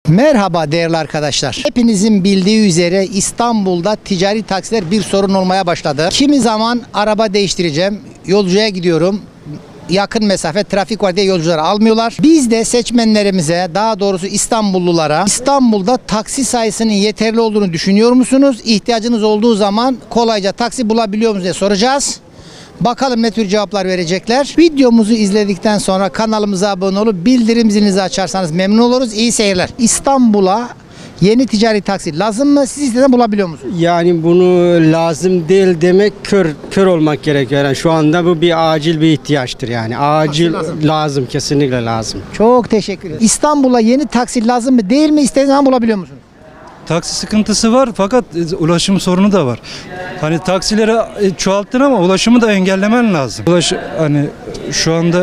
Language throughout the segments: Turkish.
Merhaba değerli arkadaşlar. Hepinizin bildiği üzere İstanbul'da ticari taksiler bir sorun olmaya başladı. Kimi zaman araba değiştireceğim, yolcuya gidiyorum. Yakın mesafe trafik var diye yolcuları almıyorlar. Biz de seçmenlerimize, daha doğrusu İstanbullulara, İstanbul'da taksi sayısının yeterli olduğunu düşünüyor musunuz? İhtiyacınız olduğu zaman kolayca taksi bulabiliyor musunuz diye soracağız. Bakalım ne tür cevaplar verecekler. Videomuzu izledikten sonra kanalımıza abone olup bildirim zilinizi açarsanız memnun oluruz. İyi seyirler. İstanbul'a yeni ticari taksi lazım mı? Siz isteden bulabiliyor musunuz? Yani bunu lazım değil demek kör olmak gerekiyor. Yani şu anda bu bir acil bir ihtiyaçtır yani. Acil lazım, kesinlikle lazım. Çok teşekkür ederim. İstanbul'a yeni taksi lazım mı değil mi? İstediğiniz zaman bulabiliyor musunuz? Taksi sıkıntısı var fakat ulaşım sorunu da var. Hani taksileri çoğalttın ama ulaşımı da engellemen lazım. Hani şu anda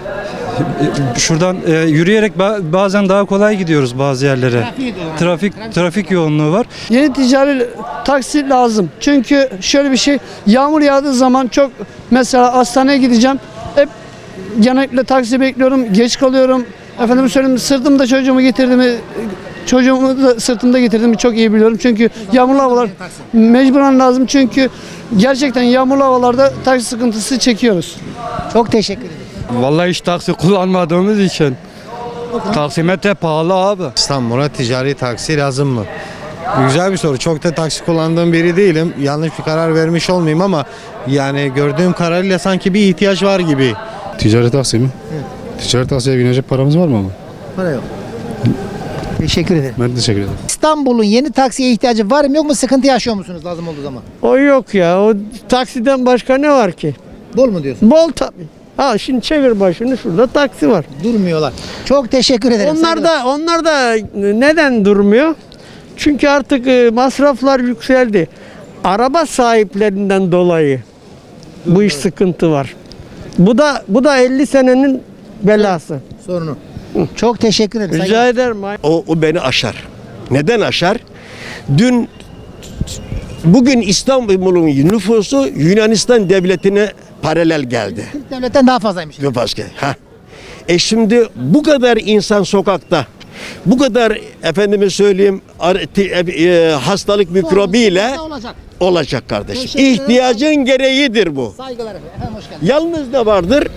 şuradan yürüyerek bazen daha kolay gidiyoruz bazı yerlere. Trafik yoğunluğu var. Yeni ticari taksi lazım. Çünkü şöyle bir şey, yağmur yağdığı zaman çok, mesela hastaneye gideceğim. Hep genellikle taksi bekliyorum, geç kalıyorum. Efendim söyleyeyim, sırtımda çocuğumu getirdim. Çocuğumu da sırtımda getirdim, çok iyi biliyorum. Çünkü yağmurlu havalar mecburen lazım. Çünkü gerçekten yağmurlu havalarda taksi sıkıntısı çekiyoruz. Çok teşekkür ederim. Vallahi hiç taksi kullanmadığımız için. Taksimetre pahalı abi. İstanbul'a ticari taksi lazım mı? Güzel bir soru. Çok da taksi kullandığım biri değilim. Yanlış bir karar vermiş olmayayım ama yani gördüğüm kadarıyla sanki bir ihtiyaç var gibi. Ticari taksi mi? Evet. Ticari taksiye binecek paramız var mı ama? Para yok. Teşekkür ederim. Ben teşekkür ederim. İstanbul'un yeni taksiye ihtiyacı var mı yok mu? Sıkıntı yaşıyor musunuz lazım olduğu zaman? O yok ya. O taksiden başka ne var ki? Bol mu diyorsun? Bol tabii. Ha şimdi çevir başını, şurada taksi var. Durmuyorlar. Çok teşekkür ederim. Onlar da neden durmuyor? Çünkü artık masraflar yükseldi. Araba sahiplerinden dolayı bu iş sıkıntı var. Bu da 50 senenin belası. Sorunu. Çok teşekkür ederim. Rica ederim. O beni aşar. Neden aşar? Bugün İstanbul'un nüfusu Yunanistan devletine paralel geldi. Türk devletten daha fazlaymış. Başka. Şimdi bu kadar insan sokakta, bu kadar efendime söyleyeyim hastalık mikrobiyle olacak kardeşim. Teşekkür ederim. İhtiyacın gereğidir bu. Saygılar efendim. Hoş geldiniz. Yalnız ne vardır?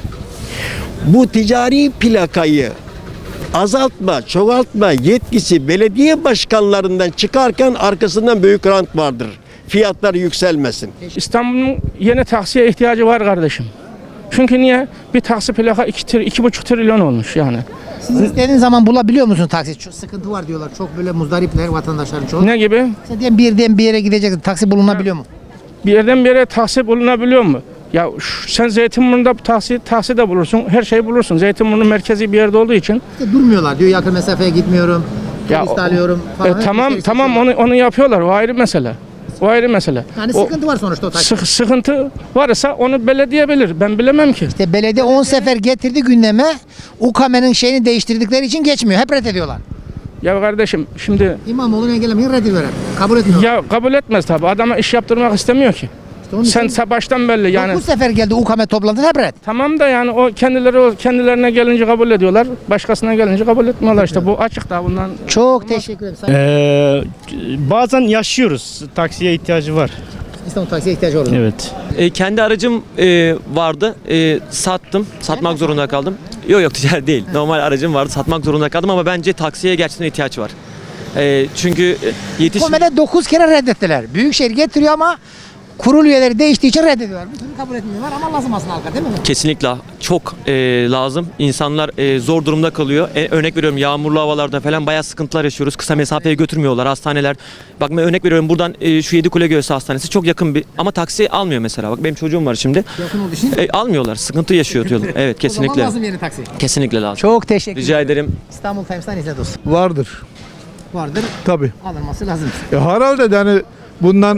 Bu ticari plakayı azaltma, çoğaltma yetkisi belediye başkanlarından çıkarken arkasından büyük rant vardır. Fiyatlar yükselmesin. İstanbul'un yeni taksiye ihtiyacı var kardeşim. Çünkü niye? Bir taksi plaka 2,5 trilyon olmuş yani. Siz istediğiniz zaman bulabiliyor musunuz taksi? Çok sıkıntı var diyorlar. Çok böyle muzdaripler vatandaşların çoğu. Ne gibi? Sen diyelim bir yerden bir yere gideceksin. Taksi bulunabiliyor mu? Bir yerden bir yere taksi bulunabiliyor mu? Ya sen Zeytinburnu'nda taksi de bulursun, her şeyi bulursun. Zeytinburnu merkezi bir yerde olduğu için. İşte durmuyorlar diyor. Yakın mesafeye gitmiyorum. Turist alıyorum falan. Tamam onu yapıyorlar. O ayrı mesele. O ayrı mesele. Yani sıkıntı var sonuçta o taksi. Sıkıntı varsa onu belediye bilir. Ben bilemem ki. İşte belediye 10 sefer getirdi gündeme. UKM'nin şeyini değiştirdikleri için geçmiyor. Hep reddediyorlar. Ya kardeşim şimdi İmamoğlu'nu engellemeyi reddediyorlar. Kabul etmiyor. ya kabul etmez tabii. Adama iş yaptırmak istemiyor ki. İşte Sen baştan belli yani. 9 sefer geldi UKM toplantısı hep red. Tamam da yani o kendilerine gelince kabul ediyorlar. Başkasına gelince kabul etmiyorlar işte. Bu açık da bundan. Çok teşekkür ederim. Bazen yaşıyoruz. Taksiye ihtiyacı var. İstanbul taksiye ihtiyacı olur. Evet. Kendi aracım vardı. Sattım. Satmak zorunda kaldım. Yok ticari değil. Normal aracım vardı. Satmak zorunda kaldım ama bence taksiye gerçekten ihtiyaç var. Çünkü UKM'de 9 kere reddettiler. Büyükşehir getiriyor ama kurul üyeleri değiştiği için reddediyorlar. Bir türlü kabul etmiyorlar ama lazım aslında halka değil mi? kesinlikle çok lazım. İnsanlar zor durumda kalıyor. Örnek veriyorum yağmurlu havalarda falan bayağı sıkıntılar yaşıyoruz. Kısa mesafeye götürmüyorlar hastaneler. Bak ben örnek veriyorum buradan şu Yedikule Göğsü Hastanesi çok yakın bir ama taksi almıyor mesela. Bak benim çocuğum var şimdi. Yakın olduğu için. Almıyorlar. Sıkıntı yaşıyor diyorlar. Evet kesinlikle. O zaman lazım yeni taksi. Kesinlikle lazım. Çok teşekkür ederim. Rica ederim. İstanbul Times'tan izle dostum. Vardır. Vardır. Tabii. Alınması lazım. Herhalde yani bundan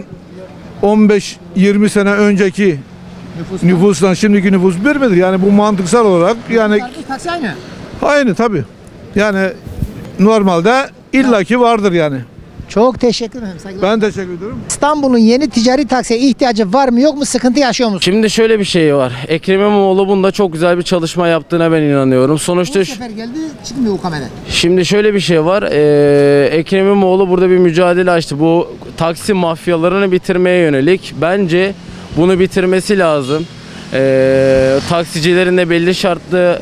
15-20 sene önceki nüfustan şimdiki nüfus bir midir? Yani bu mantıksal olarak yani Taksi aynı. aynı tabii. Yani normalde illaki vardır yani. Çok teşekkür ederim. Saygılar. Ben teşekkür ederim. İstanbul'un yeni ticari taksiye ihtiyacı var mı yok mu? Sıkıntı yaşıyor musun? Şimdi şöyle bir şey var. Ekrem İmamoğlu bunda çok güzel bir çalışma yaptığına ben inanıyorum. Sonuçta Bu sefer geldi çıkmıyor o kamera. şimdi şöyle bir şey var. Ekrem İmamoğlu burada bir mücadele açtı. Bu taksi mafyalarını bitirmeye yönelik. Bence bunu bitirmesi lazım. Taksicilerin de belli şartlı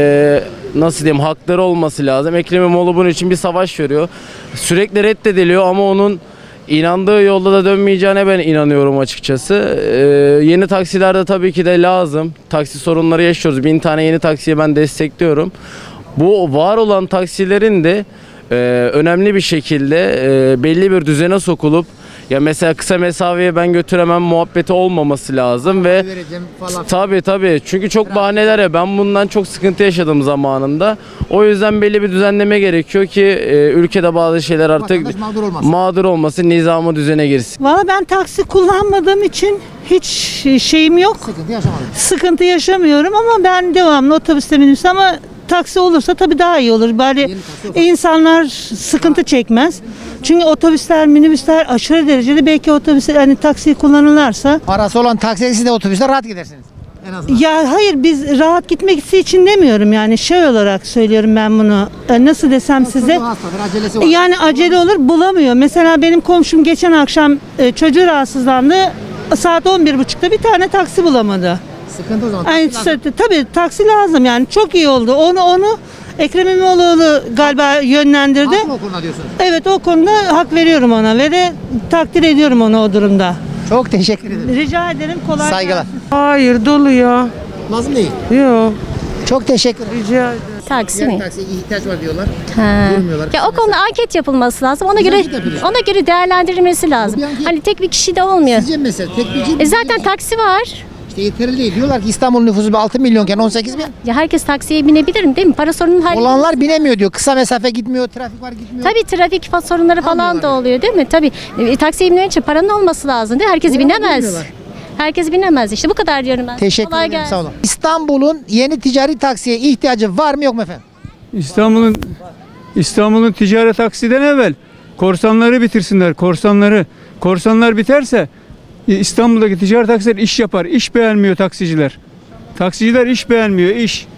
nasıl diyeyim hakları olması lazım. Ekrem İmamoğlu bunun için bir savaş veriyor. Sürekli reddediliyor ama onun inandığı yolda da dönmeyeceğine ben inanıyorum açıkçası. Yeni taksiler de tabii ki de lazım. Taksi sorunları yaşıyoruz. 1000 tane yeni taksiye ben destekliyorum. Bu var olan taksilerin de önemli bir şekilde belli bir düzene sokulup ya mesela kısa mesafeye ben götüremem muhabbeti olmaması lazım ve tabii çünkü çok bahaneler ya ben bundan çok sıkıntı yaşadım zamanında. O yüzden belli bir düzenleme gerekiyor ki ülkede bazı şeyler artık mağdur olmasın, nizamı düzene girsin. Valla ben taksi kullanmadığım için hiç şeyim yok. Sıkıntı yaşamıyorum ama ben devamlı otobüste minibüste ama taksi olursa tabii daha iyi olur. Bari insanlar sıkıntı çekmez. Çünkü otobüsler, minibüsler aşırı derecede belki otobüsler hani taksiyi kullanırlarsa. Parası olan taksiye siz de otobüste rahat gidersiniz. En azından. Ya hayır biz rahat gitmek için demiyorum yani şey olarak söylüyorum ben bunu. Nasıl desem size? Hastadır, acelesi var. Yani acele olur bulamıyor. Mesela benim komşum geçen akşam çocuğu rahatsızlandı. Saat 11.30'da bir tane taksi bulamadı. Sıkıntı o zaman. Yani, tabii taksi lazım yani çok iyi oldu. Onu Ekrem İmamoğlu galiba yönlendirdi. Haklı o konuda diyorsunuz. Evet o konuda hak veriyorum ona ve de takdir ediyorum onu o durumda. Çok teşekkür ederim. Rica ederim kolay Saygılar. gelsin. Hayır dolu ya. Lazım değil. Yok. Çok teşekkür ederim. Rica ederim. Taksi Yani mi? taksiye ihtiyaç var diyorlar. Ha. Durmuyorlar. Ya o konuda anket yapılması lazım. Ona Biz göre anket yapıyoruz. ona göre değerlendirilmesi lazım. bir anket. Hani tek bir kişi de olmuyor. Sizce mesela tek bir Zaten taksi var. İşte yeterli değil. Diyorlar ki İstanbul nüfusu 6 milyonken 18 bin. Ya herkes taksiye binebilir mi değil mi? Para sorunun Olanlar binemiyor diyor. Kısa mesafe gitmiyor, trafik var gitmiyor. Tabii trafik sorunları falan da Almıyorlar. oluyor değil mi? Tabii taksiye binmek için paranın olması lazım değil mi? Herkes Doğru, binemez. bilmiyorlar. Herkes binemez. İşte bu kadar diyorum ben. Teşekkür Kolay ederim. gelsin. Sağ olun. İstanbul'un yeni ticari taksiye ihtiyacı var mı yok mu efendim? İstanbul'un ticaret taksiden evvel korsanları bitirsinler. Korsanlar biterse İstanbul'daki ticaret taksiler iş yapar. İş beğenmiyor taksiciler. Taksiciler iş beğenmiyor.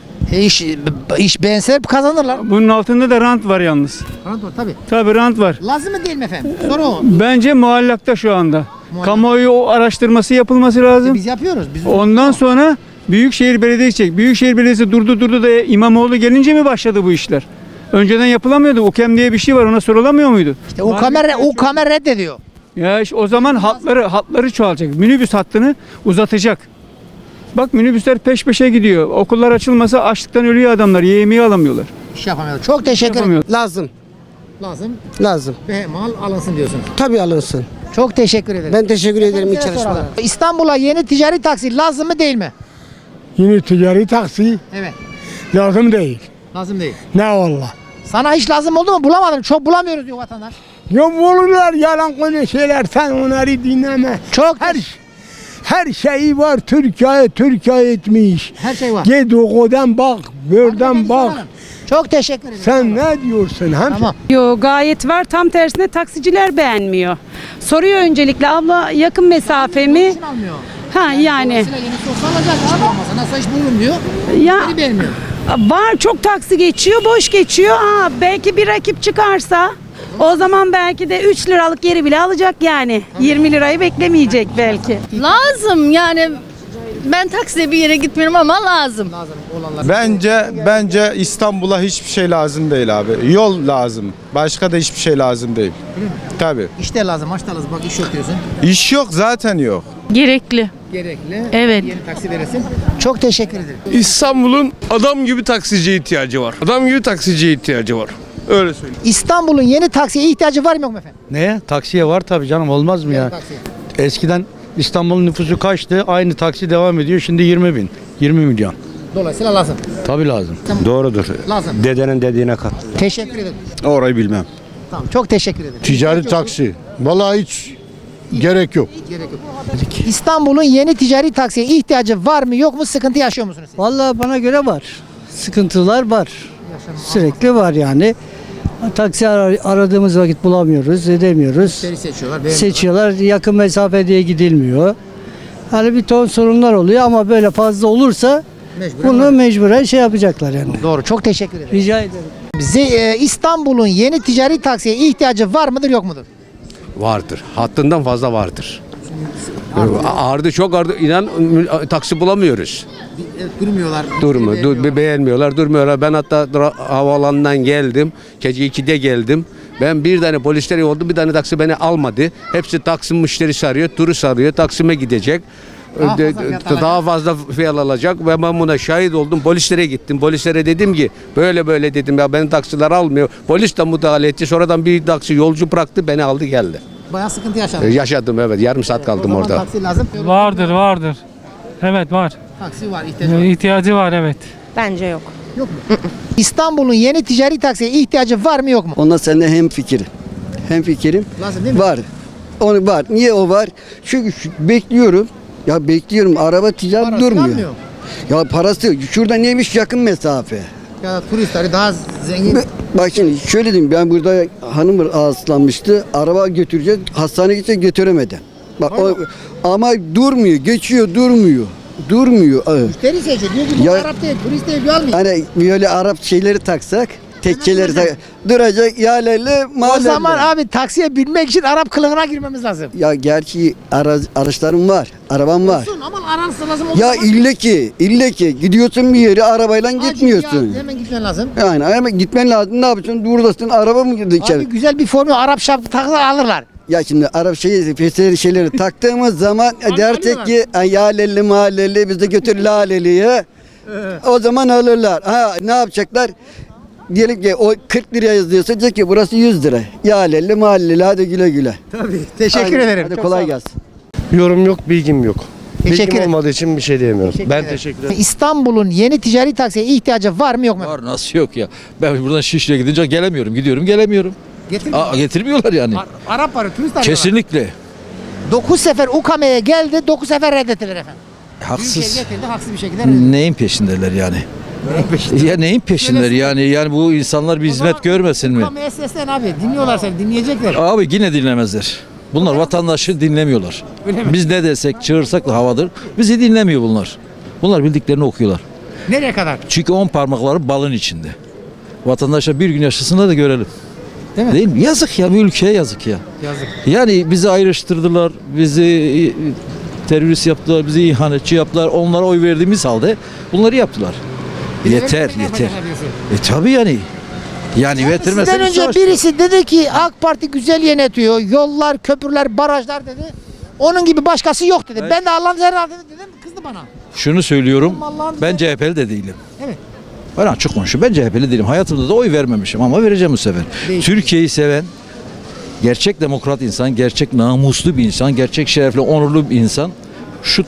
İş beğenseler kazanırlar. Bunun altında da rant var yalnız. Rant var tabii. Tabii rant var. Lazım mı değil mi efendim? Soru o. Bence muallakta şu anda. Kamuoyu o araştırması yapılması lazım. Biz yapıyoruz. Biz Ondan sonra Büyükşehir Belediyesi çek. Büyükşehir Belediyesi durdu da İmamoğlu gelince mi başladı bu işler? Önceden yapılamıyordu. UKEM diye bir şey var. Ona sorulamıyor muydu? İşte o kamera reddediyor. Ya işte o zaman hatları çoğalacak. Minibüs hattını uzatacak. Bak minibüsler peş peşe gidiyor. Okullar açılmasa açlıktan ölüyor adamlar. Yemeği alamıyorlar. İş yapamıyorlar. Çok teşekkür ederim. Lazım. Lazım. Ve mal alınsın diyorsunuz. Tabii alınsın. Çok teşekkür ederim. Ben teşekkür ederim iyi Size çalışmalar. soralım. İstanbul'a yeni ticari taksi lazım mı değil mi? Yine ticari taksi Evet. lazım değil. Lazım değil. Ne valla. Sana hiç lazım oldu mu? Bulamadım. Çok bulamıyoruz diyor vatandaş. Yok olurlar yalan konuşuyorlar. Sen onları dinleme. Çok Her şeyi var. Türkiye etmiş. her şey var. Git okuldan bak, buradan bak. Çok teşekkür ederim. Sen ne diyorsun? Tamam. Yo gayet var tam tersine taksiciler beğenmiyor. Soruyor öncelikle abla yakın mesafe mi? Için almıyor. Ha yani Dolayısıyla yeni sosyal alacak. Hiç olmasa nasıl iş bulurum diyor. ya Beni beğenmiyor. var çok taksi geçiyor boş geçiyor. Belki bir rakip çıkarsa o zaman belki de 3 liralık yeri bile alacak yani. 20 lirayı beklemeyecek belki. Lazım yani ben taksiye bir yere gitmiyorum ama lazım. Lazım olanlar. Bence İstanbul'a hiçbir şey lazım değil abi. Yol lazım. Başka da hiçbir şey lazım değil. Tabii. İşte lazım, aç da lazım. Bak iş yok diyorsun. İş yok zaten yok. Gerekli. Gerekli. Evet. Yeni taksi veresin. Çok teşekkür ederim. İstanbul'un adam gibi taksiciye ihtiyacı var. Adam gibi taksiciye ihtiyacı var. Öyle söyleyeyim. İstanbul'un yeni taksiye ihtiyacı var mı yok mu efendim? Ne? Taksiye var tabii canım olmaz mı Yeni ya? taksiye. Eskiden İstanbul'un nüfusu kaçtı? Aynı taksi devam ediyor. Şimdi 20 bin. 20 milyon. Dolayısıyla lazım. Tabii lazım. Doğrudur. Lazım. Dedenin dediğine kat. Teşekkür ederim. Orayı bilmem. Tamam. Çok teşekkür ederim. Ticari taksi. Vallahi hiç gerek yok. Gerek yok. İstanbul'un yeni ticari taksiye ihtiyacı var mı yok mu? Sıkıntı yaşıyor musunuz siz? Vallahi bana göre var. Sıkıntılar var. Sürekli var yani. Taksi aradığımız vakit bulamıyoruz, edemiyoruz. seçiyorlar. Seçiyorlar, yakın mesafe diye gidilmiyor. Hani bir ton sorunlar oluyor ama böyle fazla olursa bunu mecburen şey yapacaklar yani. Doğru. Çok teşekkür ederim. Rica ederim. İstanbul'un yeni ticari taksiye ihtiyacı var mıdır yok mudur? Vardır. Hattından fazla vardır. Ardı çok ardı. İnan taksi bulamıyoruz. Durmuyorlar. Beğenmiyorlar, durmuyorlar. Ben hatta havaalanından geldim. Gece 2'de geldim. Ben bir tane polisleri oldu, bir tane taksi beni almadı. Hepsi taksi müşterisi arıyor, turist arıyor, Taksim'e gidecek. Daha fazla fiyat alacak ve ben buna şahit oldum. Polislere gittim. Polislere dedim ki böyle böyle dedim ya, beni taksiler almıyor. Polis de müdahale etti. Sonradan bir taksi yolcu bıraktı, beni aldı geldi. Bayağı sıkıntı yaşadın. Yaşadım, evet. Yarım saat kaldım orada. Taksi lazım. Vardır. Evet var. Taksi var, ihtiyacı var. İhtiyacı var evet. Bence yok. Yok mu? İstanbul'un yeni ticari taksiye ihtiyacı var mı yok mu? Ondan seninle hemfikirim. Lazım değil mi? Var. Onu var. Niye o var? Çünkü bekliyorum. Ya bekliyorum. Araba ticari Parası durmuyor. kalmıyor. Ya parası şurada neymiş, yakın mesafe. Ya turistleri daha zengin. Bak şimdi şöyle diyeyim, ben burada hanım rahatsızlanmıştı. Araba götüreceğiz. Hastaneye gidecek, götüremeden. Bak ama durmuyor. Geçiyor, durmuyor. Müşteri seçiyor. Diyor ki bu Ya- Arap değil, turist değil, diyor almayayım. Hani böyle Arap şeyleri taksak, tekkeleri duracak yerlerle O mahallelerle. zaman abi taksiye binmek için Arap kılığına girmemiz lazım. Ya gerçi araçlarım var, arabam var. Olsun ama aransı lazım. Ya ille ki gidiyorsun bir yere arabayla gitmiyorsun. Hemen gitmen lazım. Yani hemen gitmen lazım. Ne yapacaksın? Buradasın, araba mı girdi içeri? Abi güzel bir formül Arap şapkı takılar alırlar. Ya şimdi Arap şeyleri taktığımız zaman dersek ki ya lelli mahalleli bizi götür laleliye. O zaman alırlar. Ha ne yapacaklar? Diyelim ki o 40 liraya yazıyorsa diyecek ki burası 100 lira. Ya lelli mahalleli, hadi güle güle. Tabii. Teşekkür Hadi, ederim. Hadi Çok kolay sağ ol. gelsin. Yorum yok, bilgim yok. Teşekkür Bilgim ederim. olmadığı için bir şey diyemiyorum. Teşekkür ederim. İstanbul'un yeni ticari taksiye ihtiyacı var mı yok mu? Var, nasıl yok ya? Ben buradan Şişli'ye gidince gelemiyorum. Gidiyorum gelemiyorum. Getirmiyorlar yani. Arap var, turist arıyorlar. Kesinlikle. 9 sefer UKM'ye geldi, 9 sefer reddettiler efendim. Haksız. Büyükşehir getirdi, haksız bir şekilde reddettiler. Neyin peşindeler yani? Ya neyin peşindeler yani bu insanlar bir hizmet görmesin mi? UKM'ye seslen abi, dinliyorlar seni, dinleyecekler. Abi yine dinlemezler. Bunlar vatandaşı dinlemiyorlar. Biz ne desek, çığırsak da havadır. Bizi dinlemiyor bunlar. Bunlar bildiklerini okuyorlar. Nereye kadar? Çünkü 10 parmakları balın içinde. Vatandaşlar bir gün yaşasınlar da görelim. Değil mi? Yazık ya, bu ülkeye yazık ya. Yazık. Yani bizi ayrıştırdılar, bizi terörist yaptılar, bizi ihanetçi yaptılar. Onlara oy verdiğimiz halde bunları yaptılar. Yeter. Tabii yani. Yani vertirmezse Sizden önce birisi dedi ki AK Parti güzel yönetiyor. Yollar, köprüler, barajlar dedi. Onun gibi başkası yok dedi. Ben de Allah'ın herhalde dedim, kızdı bana. Şunu söylüyorum, Allah'ın ben CHP'li de değilim. Evet. Ben açık konuşayım, ben CHP'li değilim. Hayatımda da oy vermemişim ama vereceğim bu sefer. Türkiye'yi seven, gerçek demokrat insan, gerçek namuslu bir insan, gerçek şerefli, onurlu bir insan, şu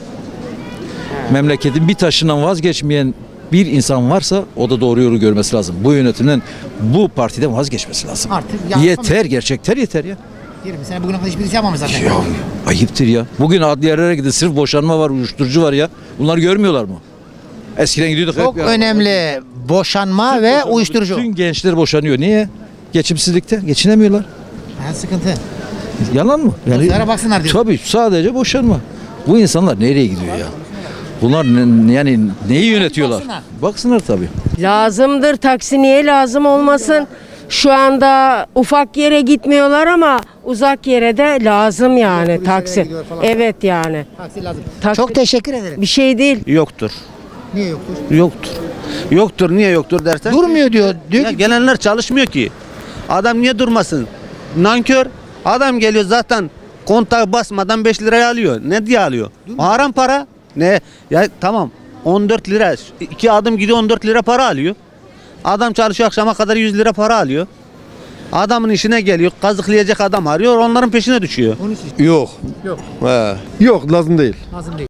memleketin bir taşından vazgeçmeyen bir insan varsa o da doğru yolu görmesi lazım. Bu yönetimden, bu partiden vazgeçmesi lazım. Artık Yeter, gerçekten yeter ya. 20 sene bugüne kadar hiçbirisi yapmamış zaten. Ya ayıptır ya. Bugün adliyelere gidin, sırf boşanma var, uyuşturucu var ya. Bunları görmüyorlar mı? Eskiden gidiyorduk. Çok önemli boşanma ve uyuşturucu. Bütün gençler boşanıyor. Niye? Geçimsizlikte. Geçinemiyorlar. Sıkıntı. Yalan mı? Dostlara baksınlar diyor. Tabii sadece boşanma. Bu insanlar nereye gidiyor ya? Bunlar yani neyi yönetiyorlar? Baksınlar tabii. Lazımdır, taksi niye lazım olmasın? Şu anda ufak yere gitmiyorlar ama uzak yere de lazım yani taksi. Evet yani. Taksi lazım. Çok teşekkür ederim. Bir şey değil. Yoktur. Niye yoktur? Yoktur. Niye yoktur dersen? Durmuyor diyor. Diyor ki Gelenler çalışmıyor ki. Adam niye durmasın? Nankör. Adam geliyor zaten kontağı basmadan 5 liraya alıyor. Ne diye alıyor? Haram para. Ne? Ya tamam 14 lira. 2 adım gidiyor 14 lira para alıyor. Adam çalışıyor akşama kadar 100 lira para alıyor. Adamın işine geliyor. Kazıklayacak adam arıyor. Onların peşine düşüyor. Yok. Yok. Yok, lazım değil. Lazım değil.